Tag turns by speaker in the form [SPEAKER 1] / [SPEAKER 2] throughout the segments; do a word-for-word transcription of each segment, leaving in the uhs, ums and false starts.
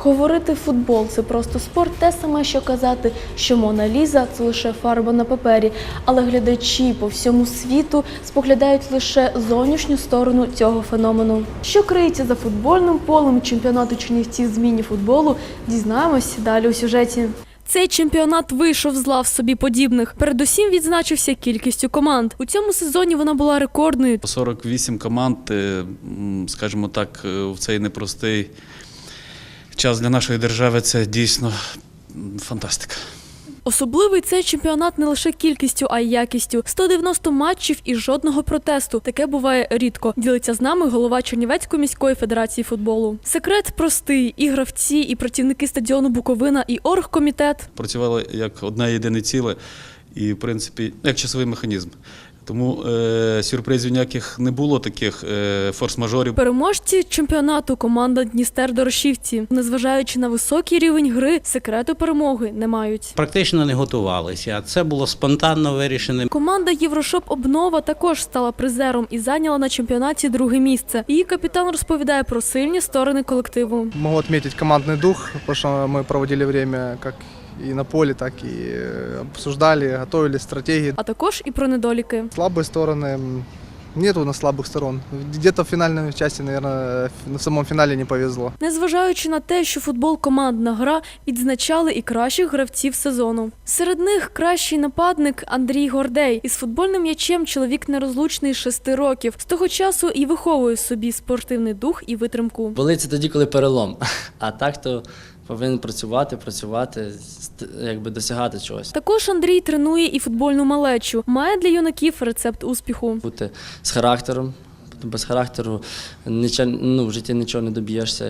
[SPEAKER 1] Говорити футбол – це просто спорт, те саме, що казати, що Мона Ліза – це лише фарба на папері. Але глядачі по всьому світу споглядають лише зовнішню сторону цього феномену. Що криється за футбольним полем чемпіонату Чернівців з міні-футболу, дізнаємось далі у сюжеті. Цей чемпіонат вийшов з лав собі подібних. Передусім відзначився кількістю команд. У цьому сезоні вона була рекордною.
[SPEAKER 2] сорок вісім команд, скажімо так, в цей непростий час для нашої держави – це дійсно фантастика.
[SPEAKER 1] Особливий цей чемпіонат не лише кількістю, а й якістю. сто дев'яносто матчів і жодного протесту. Таке буває рідко. Ділиться з нами голова Чернівецької міської федерації футболу. Секрет простий. І гравці, і працівники стадіону «Буковина», і оргкомітет.
[SPEAKER 2] Працювали як одне єдине ціле і, в принципі, як часовий механізм. Тому е, сюрпризів ніяких не було, таких е, форс-мажорів.
[SPEAKER 1] Переможці чемпіонату – команда «Дністер-Дорошівці». Незважаючи на високий рівень гри, секрету перемоги не мають.
[SPEAKER 3] Практично не готувалися, це було спонтанно вирішено.
[SPEAKER 1] Команда «Єврошоп Обнова» також стала призером і зайняла на чемпіонаті друге місце. Її капітан розповідає про сильні сторони колективу.
[SPEAKER 4] Можу відмітити командний дух, тому що ми проводили час як и на поле, так и обсуждали, готовили стратегии.
[SPEAKER 1] А також і про недоліки.
[SPEAKER 4] Слабые стороны, нет у нас слабых сторон. Где-то в финальной части, наверное, в самом финале не повезло.
[SPEAKER 1] Незважаючи на те, що футбол – командна гра, відзначали і кращих гравців сезону. Серед них кращий нападник Андрій Гордей. Із футбольним м'ячем чоловік нерозлучний з шести років. З того часу і виховує собі спортивний дух і витримку.
[SPEAKER 5] Болить тоді, коли перелом, а так то повинен працювати, працювати, якби досягати чогось.
[SPEAKER 1] Також Андрій тренує і футбольну малечу. Має для юнаків рецепт успіху.
[SPEAKER 5] Бути з характером, без характеру нічого, ну, в житті нічого не доб'єшся.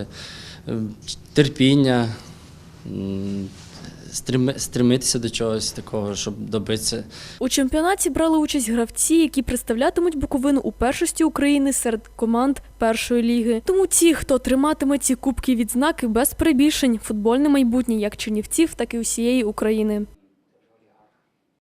[SPEAKER 5] Терпіння, стремитися до чогось такого, щоб добитися.
[SPEAKER 1] У чемпіонаті брали участь гравці, які представлятимуть Буковину у першості України серед команд першої ліги. Тому ті, хто триматиме ці кубки відзнаки без перебільшень, футбольне майбутнє як чернівців, так і усієї України.